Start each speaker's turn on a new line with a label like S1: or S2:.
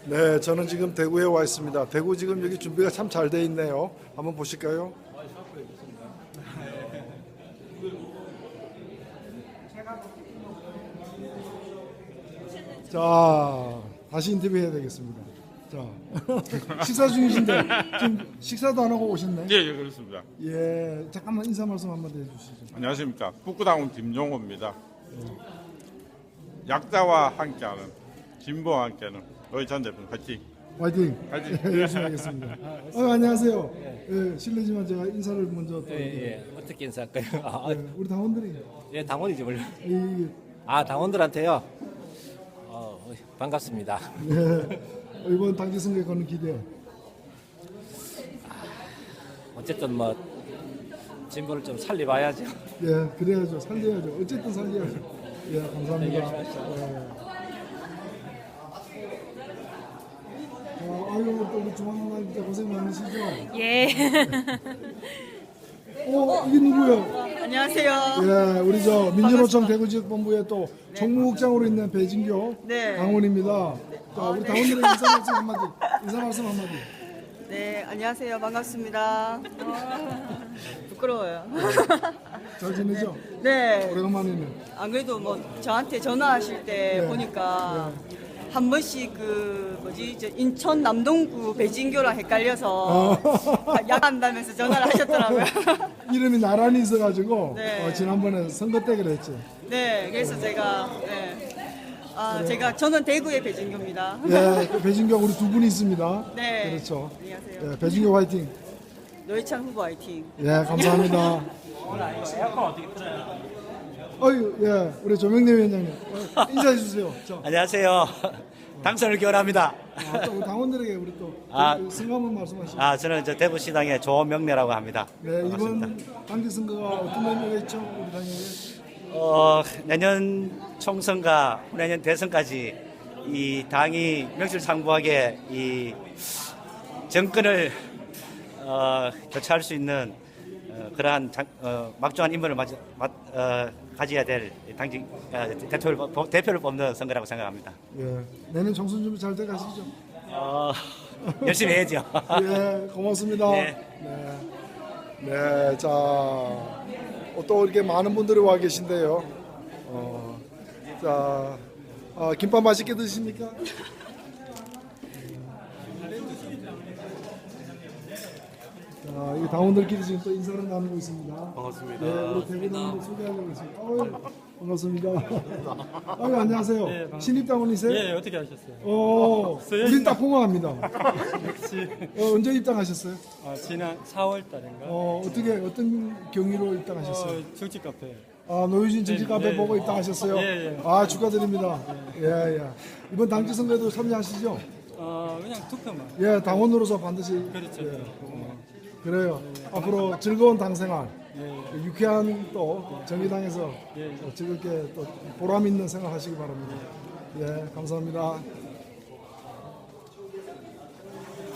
S1: 네, 저는 지금 대구에 와 있습니다. 대구 지금 여기 준비가 참 잘 돼 있네요. 한번 보실까요? 자, 다시 인터뷰 해야 되겠습니다. 자, 식사 중이신데 지금 식사도 안 하고 오셨네.
S2: 예, 그렇습니다.
S1: 예, 잠깐만 인사 말씀 한마디 해주시죠.
S2: 안녕하십니까. 북구당원 김종호입니다. 약자와 함께하는, 진보와 함께하는 우리 전 대표님 화이팅!
S1: 화이팅!
S2: 화이팅!
S1: 열심히 하겠습니다. 안녕하세요. 예, 실례지만 제가 인사를 먼저 또
S3: 어떻게 인사할까요?
S1: 우리 당원들이
S3: 예, 당원이죠, 원래.
S1: 이,
S3: 당원들한테요. 반갑습니다.
S1: 예, 이번 당지 선거에 거는 기대.
S3: 어쨌든 뭐 진보를 좀 살려봐야죠.
S1: 예, 그래야죠. 살려야죠. 어쨌든 살려야죠. 예, 감사합니다. 예. 아유, 또 우리 중앙당 진짜 고생 많으시죠?
S4: 예.
S1: 이게 누구예요?
S4: 안녕하세요.
S1: 예, 우리 저 민주노총 대구지역본부의 또 총무국장으로 있는 배진교
S4: 네.
S1: 당원입니다. 자, 우리 당원들의 인사 말씀 한마디. 인사 말씀 한마디.
S4: 네, 안녕하세요. 반갑습니다. 부끄러워요.
S1: 잘 지내죠?
S4: 네.
S1: 오래간만이네.
S4: 안 그래도 뭐 저한테 전화하실 때
S1: 네.
S4: 보니까 한 번씩 저 인천 남동구 배진교랑 헷갈려서 약한다면서 전화를 하셨더라고요.
S1: 이름이 나란히 있어가지고
S4: 네.
S1: 지난번에 선거 때 그랬지.
S4: 네, 그래서 제가 저는 대구의 배진교입니다.
S1: 예, 그 배진교 우리 두 분이 있습니다.
S4: 네.
S1: 그렇죠.
S4: 안녕하세요.
S1: 예, 배진교 화이팅.
S4: 노회찬 후보 화이팅.
S1: 예, 감사합니다. 어유, 예, 우리 조명래 위원장님 인사해 주세요. 자,
S3: 안녕하세요. 당선을 기원합니다.
S1: 또 우리 당원들에게 우리 또 승 한번 말씀하시죠.
S3: 저는 대구시당의 조명래라고 합니다.
S1: 네,
S3: 반갑습니다.
S1: 이번 당지 선거가 어떤 의미가 있죠, 우리 당에게?
S3: 내년 총선과 내년 대선까지 이 당이 명실상부하게 이 정권을 교체할 수 있는 그러한 막중한 임무를 가져야 될 당직 대표를 뽑는 선거라고 생각합니다.
S1: 예, 내년 총선 준비 잘 돼 가시죠.
S3: 열심히 해야죠.
S1: 예, 고맙습니다.
S3: 네.
S1: 네, 자, 또 이렇게 많은 분들이 와 계신데요. 자, 김밥 맛있게 드십니까? 자, 이 당원들끼리 지금 또 인사를 나누고 있습니다.
S5: 반갑습니다.
S1: 네, 우리 대구당원들 소개하려고 있습니다. 반갑습니다. 안녕하세요. 신입당원이세요?
S5: 예, 어떻게 하셨어요?
S1: 우린 딱 공허합니다.
S5: 역시
S1: 언제 입당하셨어요?
S5: 지난 4월 달인가?
S1: 어떤 경위로 입당하셨어요?
S5: 정치 카페.
S1: 노유진 정치 카페
S5: 네.
S1: 보고 입당하셨어요?
S5: 예.
S1: 축하드립니다. 예. 이번 당지 선거에도 참여하시죠?
S5: 그냥 투표만.
S1: 예, 당원으로서 반드시.
S5: 그렇죠.
S1: 예. 그래요. 앞으로 즐거운 당 생활,
S5: 예.
S1: 유쾌한 또 정의당에서
S5: 예.
S1: 즐겁게 또 보람 있는 생활 하시기 바랍니다. 예, 감사합니다.